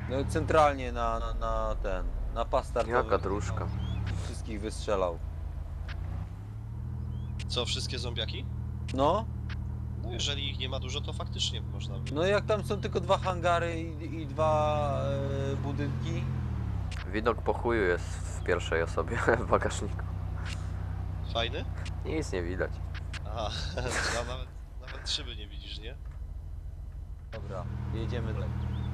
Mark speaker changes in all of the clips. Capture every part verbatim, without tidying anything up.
Speaker 1: No centralnie na, na, na ten, na pas startowy.
Speaker 2: Jaka dróżka.
Speaker 1: I wszystkich wystrzelał.
Speaker 3: Co, wszystkie zombiaki?
Speaker 1: No,
Speaker 3: No jeżeli ich nie ma dużo, to faktycznie można by...
Speaker 1: no jak tam są tylko dwa hangary i, i dwa e, budynki.
Speaker 2: Widok po chuju jest w pierwszej osobie w bagażniku.
Speaker 3: Fajny?
Speaker 2: Nic nie widać.
Speaker 3: Aha, ja nawet, nawet szyby nie widzisz, nie?
Speaker 1: Dobra, jedziemy dalej.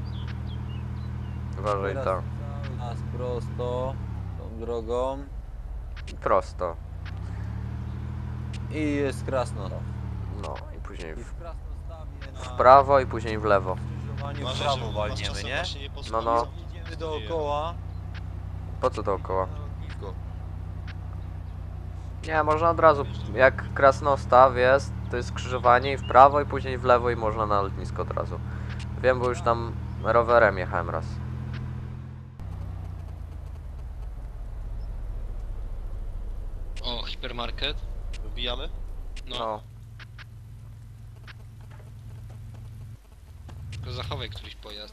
Speaker 2: Uważaj
Speaker 1: Teraz
Speaker 2: tam.
Speaker 1: cały nas prosto, tą drogą.
Speaker 2: Prosto.
Speaker 1: I jest Krasnodar.
Speaker 2: No i później
Speaker 1: I
Speaker 2: w,
Speaker 1: w Krasnostawie na
Speaker 2: w prawo i później w lewo.
Speaker 1: skrzyżowaniu w
Speaker 3: Uważaj,
Speaker 1: prawo
Speaker 3: żeby was
Speaker 1: walniemy,
Speaker 3: czasem
Speaker 1: nie?
Speaker 3: właśnie nie
Speaker 2: No, no.
Speaker 1: Jedziemy dookoła.
Speaker 2: Po co dookoła?
Speaker 1: Na lotnisko.
Speaker 2: Nie, można od razu, jak Krasnostaw jest, to jest skrzyżowanie i w prawo i później w lewo i można na lotnisko od razu. Wiem, bo już tam rowerem jechałem raz.
Speaker 4: O, hipermarket.
Speaker 3: Wybijamy?
Speaker 4: No,
Speaker 2: No,
Speaker 4: tylko zachowaj któryś pojazd.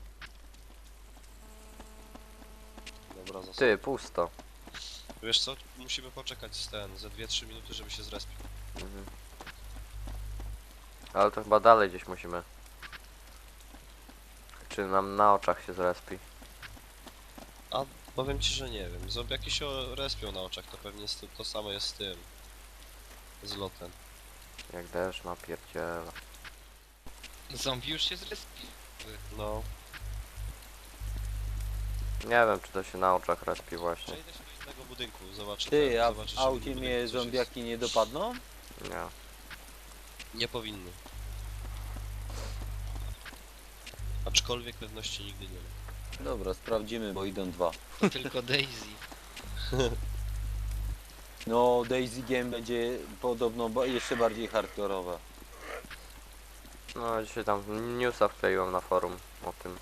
Speaker 3: Dobra, zostaw.
Speaker 2: ty, pusto.
Speaker 3: Wiesz co, musimy poczekać z ten, ze dwie trzy minuty, żeby się zrespił.
Speaker 2: Mhm. Ale to chyba dalej gdzieś musimy. Czy nam na oczach się zrespi?
Speaker 3: A powiem ci, że nie wiem. Zombiaki się respią na oczach, to pewnie jest to, to samo jest z tym. Z lotem.
Speaker 2: Jak deszcz napierdziela.
Speaker 4: Zombie już się zrespił.
Speaker 3: No.
Speaker 2: Nie wiem, czy to się na oczach respi właśnie.
Speaker 3: Przejdę się do innego budynku, zobaczę.
Speaker 1: Ty,
Speaker 3: ten,
Speaker 1: a
Speaker 3: zobaczysz,
Speaker 1: w
Speaker 3: czy
Speaker 1: aucie
Speaker 3: w budynku
Speaker 1: mnie
Speaker 3: coś
Speaker 1: zombiaki nie dopadną?
Speaker 2: Nie.
Speaker 3: Jest. Nie powinny. Aczkolwiek pewności nigdy nie ma.
Speaker 1: Dobra, sprawdzimy, bo idą dwa.
Speaker 4: To tylko Daisy.
Speaker 1: No, Daisy Game będzie podobno ba- jeszcze bardziej hardkorowe.
Speaker 2: No, dzisiaj tam newsa wkleiłem na forum o tym.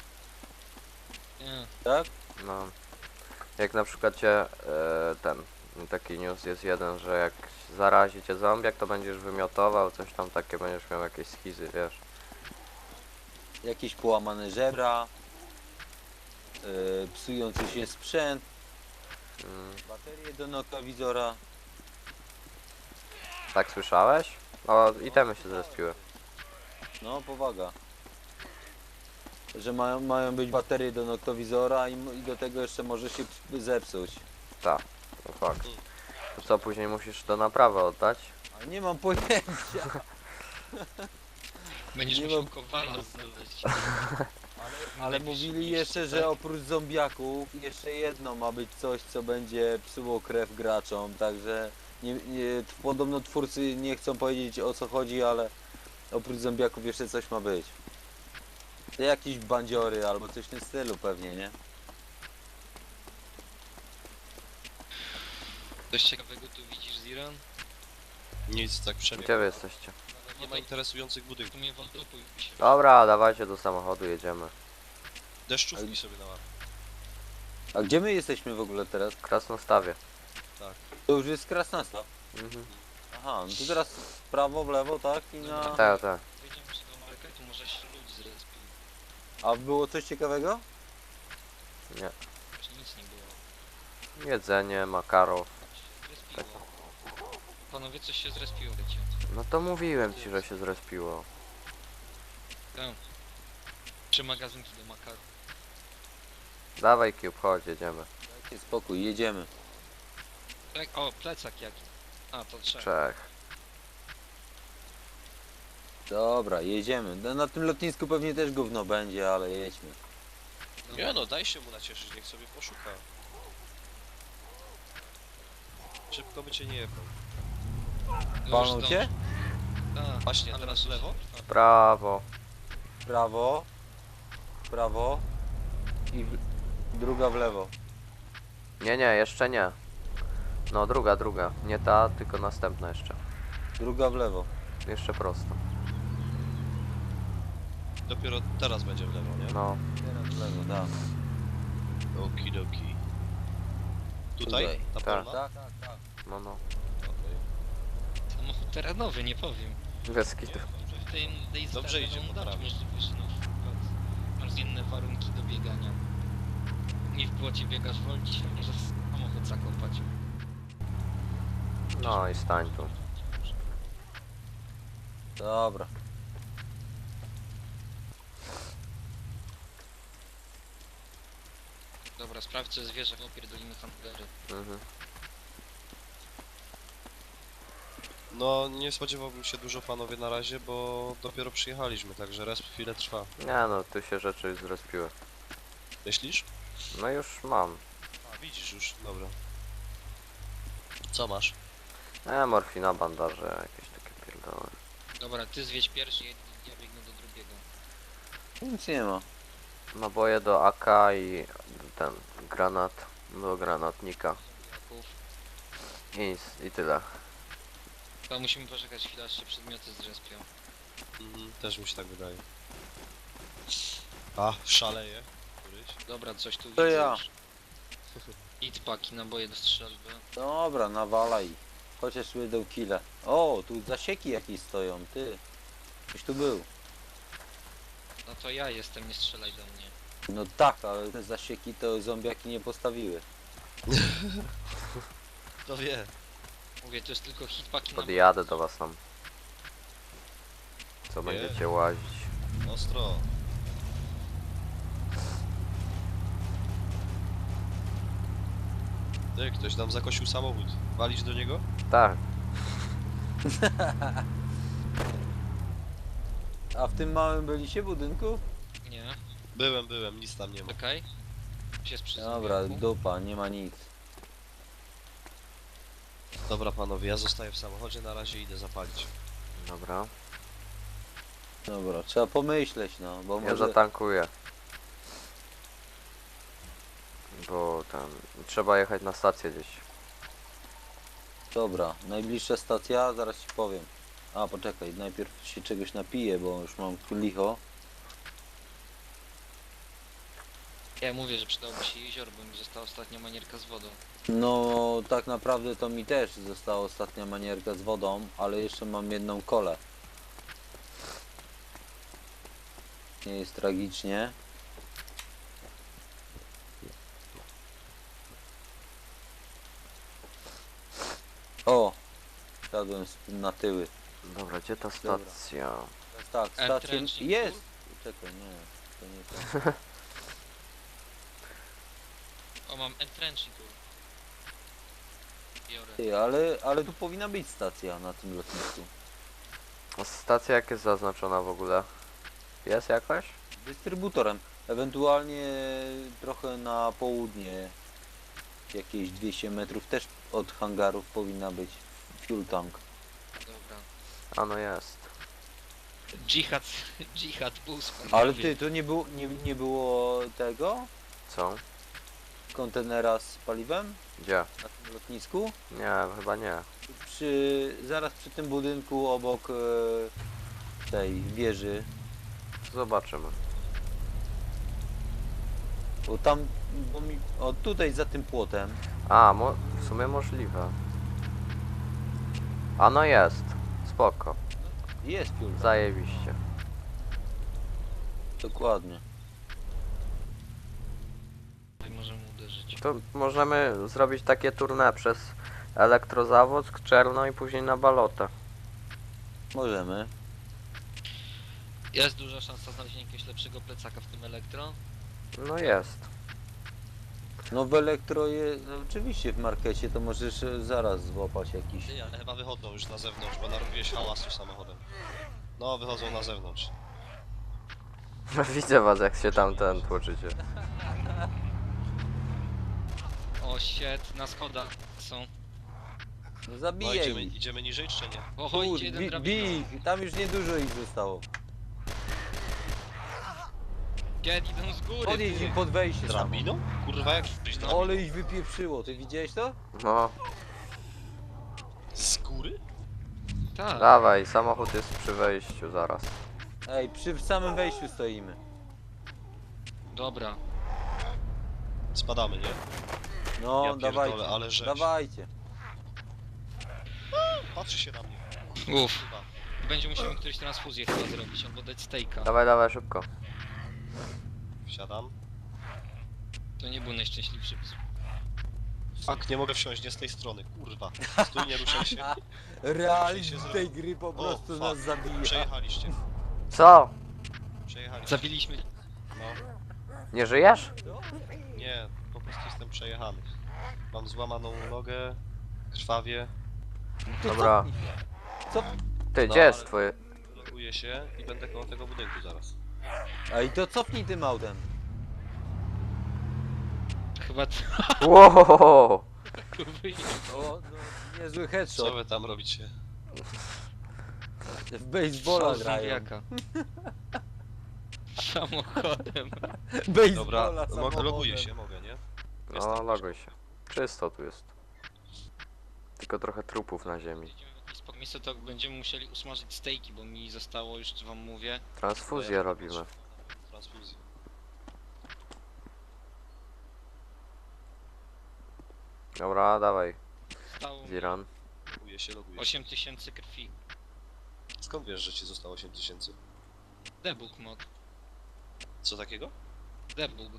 Speaker 4: Nie.
Speaker 1: Tak?
Speaker 2: No. Jak na przykład cię, e, ten, taki news jest jeden, że jak zarazi cię zombiak, to będziesz wymiotował, coś tam takie, będziesz miał jakieś schizy, wiesz.
Speaker 1: Jakieś połamane żebra, yy, psujący się sprzęt,
Speaker 2: Mm,
Speaker 1: baterie do noktowizora.
Speaker 2: tak słyszałeś? O, itemy się zrespiły.
Speaker 1: No, powaga. Że mają, mają być baterie do noktowizora i, m- i do tego jeszcze może się ps- zepsuć.
Speaker 2: Tak, to fakt. To co, później musisz do naprawy oddać?
Speaker 1: Ale nie mam pojęcia.
Speaker 4: Będziesz
Speaker 1: Nie
Speaker 4: musiał
Speaker 1: mam-
Speaker 4: kowala znaleźć.
Speaker 1: Ale
Speaker 4: Najbliższy
Speaker 1: mówili
Speaker 4: miejscu,
Speaker 1: jeszcze,
Speaker 4: tak?
Speaker 1: że oprócz zombiaków jeszcze jedno ma być coś, co będzie psuło krew graczom, także nie, nie, t- podobno twórcy nie chcą powiedzieć o co chodzi, ale oprócz zombiaków jeszcze coś ma być. To jakieś bandziory albo coś w tym stylu pewnie, nie?
Speaker 4: Coś ciekawego tu widzisz, Ziran?
Speaker 3: Nic, tak przemiał.
Speaker 2: Gdzie wy jesteście?
Speaker 3: Nie ma interesujących
Speaker 4: W
Speaker 3: budynków.
Speaker 4: sumie wątpię się.
Speaker 2: Dobra, dawajcie do samochodu, jedziemy.
Speaker 3: Deszczówki sobie na łapę.
Speaker 1: A gdzie my jesteśmy w ogóle teraz?
Speaker 2: W Krasnostawie.
Speaker 1: To już jest Krasnasta.
Speaker 2: Mhm.
Speaker 1: Aha, no to teraz w prawo, w lewo, tak? I na...
Speaker 2: Tak, tak.
Speaker 4: Wejdziemy się do marketu, może się ludzi zrespił.
Speaker 1: A było coś ciekawego?
Speaker 2: Nie.
Speaker 4: Właśnie nic nie było.
Speaker 2: Jedzenie, makaro.
Speaker 4: Się zrespiło. Panowie, coś się zrespiło, wiecie.
Speaker 2: No to mówiłem ci, że się zrespiło.
Speaker 4: Tam. Trzy magazynki do makaru.
Speaker 2: Dawaj Cube, chodź, jedziemy.
Speaker 1: Dajcie spokój, jedziemy.
Speaker 4: Tak, o, plecak jaki. A, to trzeba.
Speaker 2: Czech.
Speaker 1: Dobra, jedziemy. Na- Na tym lotnisku pewnie też gówno będzie, ale jedźmy.
Speaker 3: Nie no, daj się mu nacieszyć, niech sobie poszuka. Szybko by cię nie jebał.
Speaker 1: Palnął cię?
Speaker 4: Tak,
Speaker 3: Właśnie,
Speaker 4: ale
Speaker 3: teraz w
Speaker 4: masz
Speaker 3: lewo?
Speaker 2: W prawo.
Speaker 1: Prawo, prawo i w... druga w lewo.
Speaker 2: Nie, nie, jeszcze nie. No, druga, druga. Nie ta, tylko następna jeszcze.
Speaker 1: Druga w lewo.
Speaker 2: Jeszcze prosto.
Speaker 3: Dopiero teraz będzie w lewo, nie?
Speaker 2: No.
Speaker 1: Teraz w lewo, tak.
Speaker 3: Okidoki. Tutaj? Ta
Speaker 2: Tak.
Speaker 3: polna?
Speaker 1: Tak, tak, tak.
Speaker 2: No, no.
Speaker 3: Okej.
Speaker 4: Samochód terenowy, nie powiem.
Speaker 2: Bez kitu.
Speaker 4: W tej Daisy
Speaker 3: Dobrze
Speaker 4: tak
Speaker 3: idzie,
Speaker 4: będą
Speaker 3: po
Speaker 4: dać
Speaker 3: prawej.
Speaker 4: możliwość na przykład. Masz zmienne warunki do biegania. Nie w płocie biegasz wolniej, możesz samochód zakopać.
Speaker 2: No i stań tu.
Speaker 1: Dobra.
Speaker 4: Dobra, sprawdź co zwierzę, opierdolimy handlery.
Speaker 2: Mhm.
Speaker 3: No, nie spodziewałbym się dużo panowie na razie, bo dopiero przyjechaliśmy, także res chwilę trwa.
Speaker 2: Nie no, tu się rzeczy zrespiły.
Speaker 3: Myślisz?
Speaker 2: No już mam.
Speaker 3: A, widzisz już, dobra. Co masz?
Speaker 2: E, morfina, bandaże, jakieś takie pierdoły.
Speaker 4: Dobra, ty zwiedź pierwszy, ja, ja biegnę do drugiego.
Speaker 1: Nic nie ma.
Speaker 2: Naboje do A K i ten granat do granatnika.
Speaker 4: Zombiaków.
Speaker 2: I, nic, i tyle.
Speaker 4: To musimy poczekać chwilę, aż się przedmioty zrespią.
Speaker 3: Mhm, też mi się tak wydaje. A, szaleje. Któryś?
Speaker 4: Dobra, coś tu
Speaker 1: To
Speaker 4: widzę
Speaker 1: ja.
Speaker 4: już. Hit paki, naboje do strzelby.
Speaker 1: Dobra, nawalaj. Chociaż będą kile. O, tu zasieki jakieś stoją, ty. Ktoś tu był.
Speaker 4: No to ja jestem, nie strzelaj do mnie.
Speaker 1: No tak, ale te zasieki to zombiaki nie postawiły.
Speaker 3: Kto wie?
Speaker 4: Mówię, to jest tylko hit paki na
Speaker 2: Podjadę do was tam. Co
Speaker 3: Nie.
Speaker 2: będziecie łazić?
Speaker 3: Ostro. Ty, ktoś nam zakosił samochód. Walić do niego?
Speaker 2: Tak,
Speaker 1: A w tym małym byliście budynku?
Speaker 4: Nie,
Speaker 3: Byłem, byłem, nic tam nie ma.
Speaker 4: czekaj. Się przy
Speaker 1: Dobra,
Speaker 4: zombiaku.
Speaker 1: dupa, nie ma nic.
Speaker 3: Dobra panowie, ja zostaję w samochodzie, na razie idę zapalić.
Speaker 2: dobra.
Speaker 1: Dobra, trzeba pomyśleć, no, bo
Speaker 2: Ja
Speaker 1: może...
Speaker 2: zatankuję. Bo tam trzeba jechać na stację gdzieś.
Speaker 1: Dobra, najbliższa stacja, zaraz ci powiem. A, poczekaj, najpierw się czegoś napiję, bo już mam licho.
Speaker 4: Ja mówię, że przydałoby się jezioro, bo mi została ostatnia manierka z wodą.
Speaker 1: No, tak naprawdę to mi też została ostatnia manierka z wodą, ale jeszcze mam jedną kolę. Nie jest tragicznie. O! Siadłem z- na tyły.
Speaker 2: Dobra, gdzie ta
Speaker 1: Dobra.
Speaker 2: stacja?
Speaker 1: Tak, stację...
Speaker 4: Entrenching
Speaker 1: Jest! Czekaj, nie, to nie to.
Speaker 4: O, mam entrenching tu. Biorę.
Speaker 1: Ty, ale, ale tu powinna być stacja na tym lotnisku.
Speaker 2: A stacja jak jest zaznaczona w ogóle? Jest jakaś?
Speaker 1: Dystrybutorem. Ewentualnie trochę na południe. Jakieś dwieście metrów też od hangarów powinna być fuel tank.
Speaker 4: Dobra.
Speaker 2: A no jest.
Speaker 4: Dżihad, dżihad bus.
Speaker 1: Ale ty, to nie było, nie, nie było tego?
Speaker 2: Co?
Speaker 1: Kontenera z paliwem
Speaker 2: Gdzie?
Speaker 1: na tym lotnisku?
Speaker 2: Nie, chyba nie.
Speaker 1: Przy, zaraz przy tym budynku obok e, tej wieży.
Speaker 2: Zobaczymy.
Speaker 1: Bo tam, bo mi, o tutaj za tym płotem.
Speaker 2: A, mo w sumie możliwe. A no jest. Spoko.
Speaker 1: Jest fuel tank.
Speaker 2: Zajebiście.
Speaker 1: Dokładnie.
Speaker 4: Tutaj możemy uderzyć.
Speaker 2: To możemy zrobić takie tournée przez Elektrozawodzk, Czerno i później na Balotę.
Speaker 1: Możemy.
Speaker 4: Jest duża szansa znalezienia jakiegoś lepszego plecaka w tym elektro.
Speaker 2: No jest.
Speaker 1: No w elektro je, no oczywiście w markecie to możesz e, zaraz złapać jakiś.
Speaker 3: Ty, ale chyba wychodzą już na zewnątrz, bo narobiłeś hałasu samochodem. No, wychodzą na zewnątrz.
Speaker 2: Widzę was jak się tam ten tłoczycie.
Speaker 4: O, shit, na schodach są.
Speaker 1: No
Speaker 3: No,
Speaker 1: zabijaj
Speaker 3: idziemy,
Speaker 1: ich.
Speaker 3: idziemy niżej czy nie?
Speaker 4: O,
Speaker 1: Kur,
Speaker 4: idzie jeden
Speaker 1: bi,
Speaker 4: drabiną.
Speaker 1: bij ich, tam już niedużo ich zostało.
Speaker 4: Get, idą z góry.
Speaker 1: Podjedź
Speaker 4: ty.
Speaker 1: im pod wejście samo.
Speaker 3: Drabiną? Kurwa, jak jesteś drabiną?
Speaker 1: Ale ich wypieprzyło, ty widziałeś to?
Speaker 2: No,
Speaker 3: Z góry?
Speaker 4: Tak.
Speaker 2: dawaj, samochód jest przy wejściu zaraz.
Speaker 1: Ej, przy samym wejściu stoimy.
Speaker 4: Dobra.
Speaker 3: Spadamy, nie?
Speaker 1: No,
Speaker 3: Ja pierdolę,
Speaker 1: dawajcie.
Speaker 3: ale rzecz.
Speaker 1: Dawajcie.
Speaker 3: Patrzy się na mnie.
Speaker 4: Uff.
Speaker 3: Chyba.
Speaker 4: Będzie musiał mi któryś transfuzję chyba zrobić, albo dać stejka.
Speaker 2: Dawaj, dawaj, szybko.
Speaker 3: Wsiadam.
Speaker 4: To nie był najszczęśliwszy pis.
Speaker 3: Fuck, nie mogę wsiąść, nie z tej strony, kurwa. Stój, nie ruszaj się.
Speaker 1: Realizm
Speaker 3: się
Speaker 1: tej
Speaker 3: zrobił.
Speaker 1: gry po prostu
Speaker 3: fuck.
Speaker 1: nas zabija.
Speaker 3: Przejechaliście.
Speaker 2: Co?
Speaker 3: Przejechaliście.
Speaker 4: Zabiliśmy.
Speaker 3: No.
Speaker 2: Nie żyjesz?
Speaker 3: Nie, po prostu jestem przejechany. Mam złamaną nogę, krwawie,
Speaker 1: To
Speaker 2: Dobra.
Speaker 1: cofnij się. Co?
Speaker 2: Ty,
Speaker 3: No,
Speaker 2: gdzie jest
Speaker 3: ale-
Speaker 2: twoje...
Speaker 3: loguję się i będę koło tego budynku zaraz.
Speaker 1: A i to cofnij tym autem.
Speaker 4: Chyba to
Speaker 2: Wow!
Speaker 1: O, no, niezły
Speaker 3: Co
Speaker 1: headshot.
Speaker 3: wy tam robicie?
Speaker 1: W baseballa
Speaker 4: Strzał
Speaker 1: grają.
Speaker 4: zombiaka. Samochodem.
Speaker 1: Baseballa
Speaker 3: Dobra, mogę,
Speaker 1: samochodem.
Speaker 3: loguję się, mogę, nie?
Speaker 2: No, loguj się. Czysto tu jest. Tylko trochę trupów na ziemi.
Speaker 4: Jedziemy w jakieś spoko miejsce, to będziemy musieli usmażyć stejki, bo mi zostało już, wam mówię.
Speaker 2: Transfuzję robimy.
Speaker 3: Transfuzję.
Speaker 2: Dobra, dawaj.
Speaker 4: Zostało mi
Speaker 2: Ziran.
Speaker 3: Loguję się, loguję się.
Speaker 4: osiem tysięcy krwi.
Speaker 3: Skąd wiesz, że ci zostało osiem tysięcy?
Speaker 4: Debug mod.
Speaker 3: Co takiego?
Speaker 4: Debug.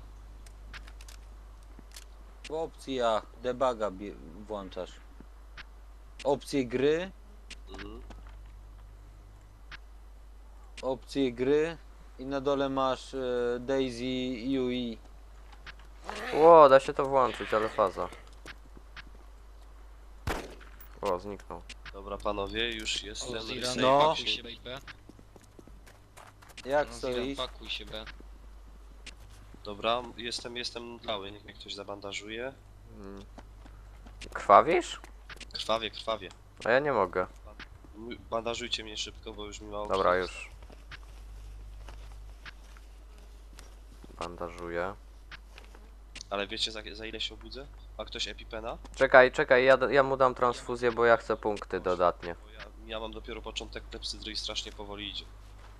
Speaker 1: W opcjach debuga bie- włączasz. Opcje gry,
Speaker 3: Mhm.
Speaker 1: opcje gry i na dole masz e, Daisy U I.
Speaker 2: Ło, da się to włączyć, ale faza. O, zniknął.
Speaker 3: Dobra panowie, już jestem.
Speaker 4: O, Ziran,
Speaker 3: Safe
Speaker 1: No.
Speaker 4: pakuj
Speaker 3: action.
Speaker 4: się B.
Speaker 1: Jak
Speaker 4: No, Ziran,
Speaker 1: stoisz?
Speaker 4: pakuj się B.
Speaker 3: Dobra, jestem, jestem cały, niech mnie ktoś zabandażuje.
Speaker 2: Mm. Krwawisz?
Speaker 3: Krwawie, krwawie.
Speaker 2: A ja nie mogę.
Speaker 3: M- Bandażujcie mnie szybko, bo już mi mało
Speaker 2: Dobra,
Speaker 3: krwi.
Speaker 2: już. Bandażuję.
Speaker 3: Ale wiecie za, za ile się obudzę? Ma ktoś epipena?
Speaker 2: Czekaj, czekaj, ja, ja mu dam transfuzję, bo ja chcę punkty dodatnie.
Speaker 3: Bo ja, ja mam dopiero początek klepsydry i strasznie powoli idzie.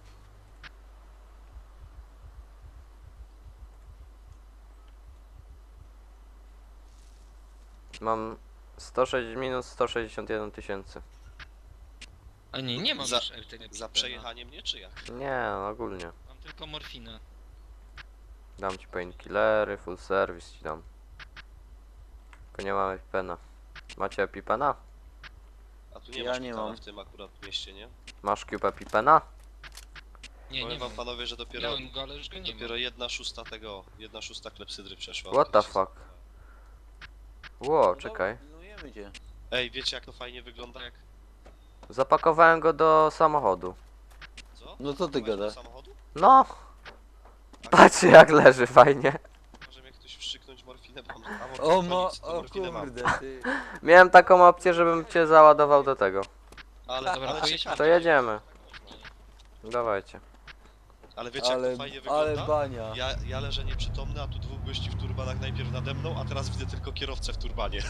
Speaker 2: Mam sto sześć minus sto sześćdziesiąt jeden tysięcy.
Speaker 4: A nie, nie mam
Speaker 3: Za-
Speaker 4: już tego
Speaker 3: Za
Speaker 4: epipena.
Speaker 3: przejechanie mnie czy jak?
Speaker 2: Nie, no, ogólnie.
Speaker 4: Mam tylko morfinę.
Speaker 2: Dam ci painkillery, full service ci dam. Tylko nie mam epipena. Macie epipena?
Speaker 3: A tu nie
Speaker 1: Ja
Speaker 3: masz
Speaker 1: nie
Speaker 3: szpitala
Speaker 1: mam.
Speaker 3: w tym akurat mieście, nie?
Speaker 2: Masz cube epipena?
Speaker 4: Nie,
Speaker 3: Powiem
Speaker 4: nie
Speaker 3: wam
Speaker 4: mam.
Speaker 3: panowie, że dopiero,
Speaker 4: Miałem go, ale już go nie
Speaker 3: dopiero
Speaker 4: mam.
Speaker 3: jedna szósta tego, jedna szósta klepsydry przeszła.
Speaker 2: What the
Speaker 3: Kiedy się-
Speaker 2: fuck? Ło, czekaj.
Speaker 1: Pilnujemy cię.
Speaker 3: Ej, wiecie jak to fajnie wygląda jak...
Speaker 2: Zapakowałem go do samochodu.
Speaker 3: Co?
Speaker 1: No co ty
Speaker 3: Masz do
Speaker 1: gadasz?
Speaker 3: samochodu?
Speaker 2: No,
Speaker 3: A
Speaker 2: patrzcie jak leży, fajnie.
Speaker 3: może mnie ktoś wstrzyknąć morfinę, bo mam... A,
Speaker 1: O,
Speaker 3: mo...
Speaker 1: mo,
Speaker 3: to
Speaker 1: o
Speaker 3: morfinę mam.
Speaker 1: kurde, ty.
Speaker 2: Miałem taką opcję, żebym cię załadował do tego.
Speaker 3: Ale,
Speaker 4: Dobra,
Speaker 3: ale,
Speaker 4: pojedźmy.
Speaker 2: To jedziemy. Dawajcie.
Speaker 3: ale wiecie
Speaker 1: Ale,
Speaker 3: jak to fajnie
Speaker 1: ale
Speaker 3: wygląda?
Speaker 1: bania.
Speaker 3: Ja, ja leżę nieprzytomny, a tu dwóch gości w turbanach najpierw nade mną, a teraz widzę tylko kierowcę w turbanie.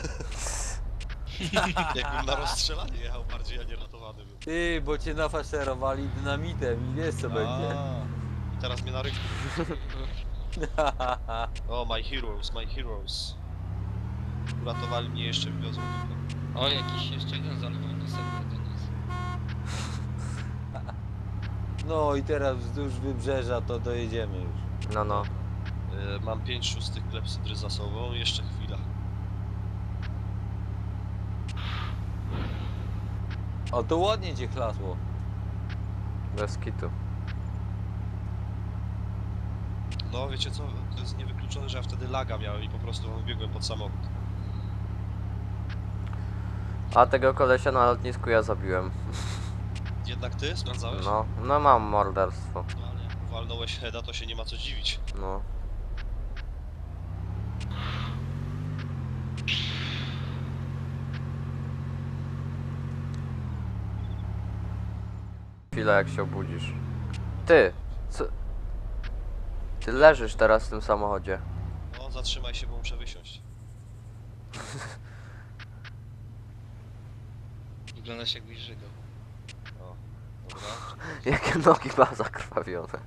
Speaker 3: Jakbym na rozstrzelanie jechał bardziej, a nie ratowany był.
Speaker 1: Ty, bo cię nafaszerowali dynamitem i wiesz co będzie.
Speaker 3: A, I teraz mnie na rynku. O, my heroes, my heroes. Uratowali mnie, jeszcze wiozą tylko.
Speaker 4: O, jakiś jeszcze jeden zalewał na serwer do nas.
Speaker 1: No i teraz wzdłuż wybrzeża to dojedziemy już.
Speaker 2: No, no.
Speaker 3: Y, mam pięć szóstych klepsydry za sobą, jeszcze chwila.
Speaker 1: O, to ładnie cię chlasło.
Speaker 2: Bez kitu.
Speaker 3: No wiecie co, to jest niewykluczone, że ja wtedy laga miałem i po prostu wybiegłem pod samochód.
Speaker 2: A tego kolesia na lotnisku ja zabiłem.
Speaker 3: Jednak ty sprawdzałeś?
Speaker 2: No, no mam morderstwo.
Speaker 3: No ale jak walnąłeś heada, to się nie ma co dziwić.
Speaker 2: No. Chwilę jak się obudzisz. Ty! Co? Ty leżysz teraz w tym samochodzie.
Speaker 3: No zatrzymaj się, bo muszę wysiąść.
Speaker 4: Wyglądasz jakbyś żygał.
Speaker 3: O, dobra.
Speaker 2: Jakie nogi ma zakrwawione.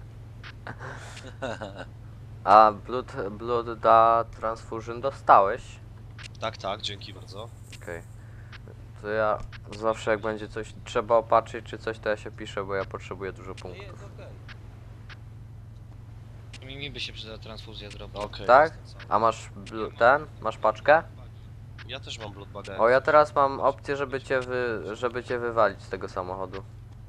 Speaker 2: A blood, blood da transfusion dostałeś?
Speaker 3: Tak, tak, dzięki bardzo.
Speaker 2: Okej. To ja zawsze jak będzie coś trzeba opatrzyć czy coś, to ja się piszę, bo ja potrzebuję dużo punktów.
Speaker 1: Jest okej.
Speaker 4: Mi, mi by się przydała transfuzja zrobić.
Speaker 3: Okej.
Speaker 2: Tak?
Speaker 3: jestem cały.
Speaker 2: A masz bl- ten? Masz paczkę?
Speaker 3: Ja też mam bloodbaga.
Speaker 2: O, ja teraz mam opcję, żeby cię wy... żeby cię wywalić z tego samochodu.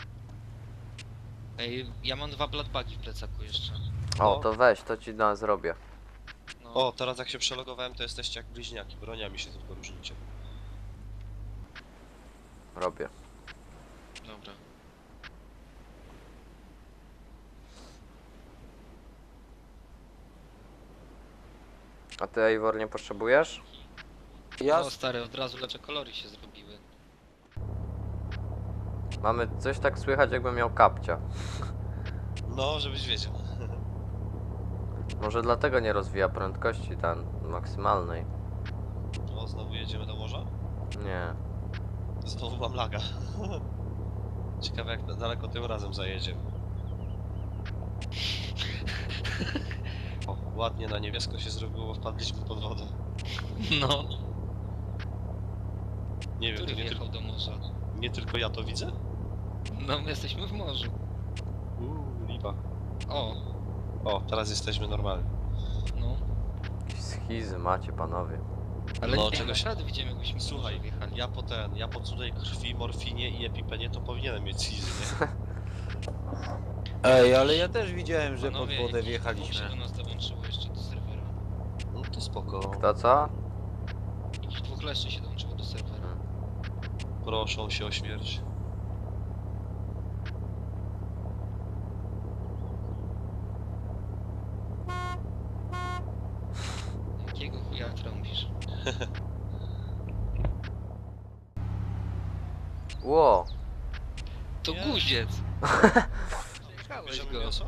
Speaker 4: Ej, ja mam dwa bloodbagi w plecaku jeszcze.
Speaker 2: O,
Speaker 3: No.
Speaker 2: to weź, to ci na zrobię.
Speaker 4: No,
Speaker 3: O, teraz jak się przelogowałem, to jesteście jak bliźniaki. Broniami się tylko różnicie.
Speaker 2: Robię.
Speaker 4: dobra.
Speaker 2: A ty, Eivor, nie potrzebujesz?
Speaker 1: Ja
Speaker 4: No stary, od razu lepsze kolory się zrobiły.
Speaker 2: Mamy coś tak słychać, jakbym miał kapcia.
Speaker 3: No, żebyś wiedział.
Speaker 2: Może dlatego nie rozwija prędkości ten maksymalnej.
Speaker 3: O, znowu jedziemy do morza?
Speaker 2: Nie.
Speaker 3: Znowu mam laga. Ciekawe jak na- daleko tym razem zajedziemy. O, ładnie na niebiesko się zrobiło, bo wpadliśmy pod wodę.
Speaker 4: No,
Speaker 3: Nie wiem, to
Speaker 4: który
Speaker 3: nie,
Speaker 4: wjechał
Speaker 3: tylko
Speaker 4: do morza?
Speaker 3: nie tylko ja to widzę?
Speaker 4: No, my jesteśmy w morzu.
Speaker 3: Uuu, lipa.
Speaker 4: O,
Speaker 3: O, teraz jesteśmy normalni.
Speaker 4: no.
Speaker 2: Jakieś schizy macie, panowie.
Speaker 4: Ale
Speaker 3: No,
Speaker 4: nie,
Speaker 3: czegoś-
Speaker 4: naprawdę widzimy, jakbyśmy w
Speaker 3: Słuchaj,
Speaker 4: morze wjechali.
Speaker 3: ja po ten, ja po cudej krwi, morfinie i epipenie to powinienem mieć schizy, nie?
Speaker 1: Ej, ale ja też widziałem, że pod
Speaker 4: Panowie,
Speaker 1: wodę
Speaker 4: jakiś dwóch się
Speaker 1: wjechaliśmy.
Speaker 4: do nas dołączyło jeszcze do serwera.
Speaker 3: No to spoko.
Speaker 2: Kto co?
Speaker 4: Jakiś dwóch leszczy się dołączyło do serwera.
Speaker 3: Proszą się o śmierć.
Speaker 4: Jakiego chuja trąbisz?
Speaker 2: Ło!
Speaker 4: To
Speaker 3: Nie.
Speaker 4: guziec! Przejechałeś
Speaker 3: Bierzemy
Speaker 4: go.
Speaker 3: mięso?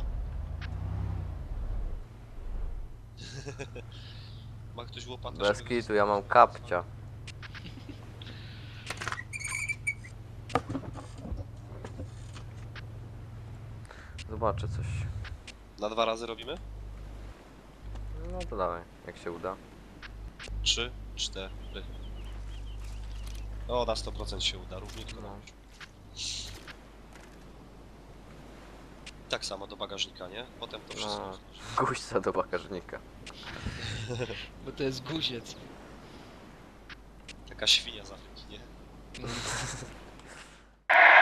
Speaker 3: Ma ktoś łopatę?
Speaker 2: Bez
Speaker 3: żeby-
Speaker 2: kitu, ja mam kapcia. Zobaczę coś.
Speaker 3: Na dwa razy robimy?
Speaker 2: No to dawaj, jak się uda.
Speaker 3: Trzy, cztery. O, na sto procent się uda, równiutko.
Speaker 2: No.
Speaker 3: Tak samo do bagażnika, nie? Potem to wszystko.
Speaker 2: No. Guźca do bagażnika.
Speaker 4: Bo to jest guziec.
Speaker 3: Taka świnia z Afryki, nie?
Speaker 4: Mm.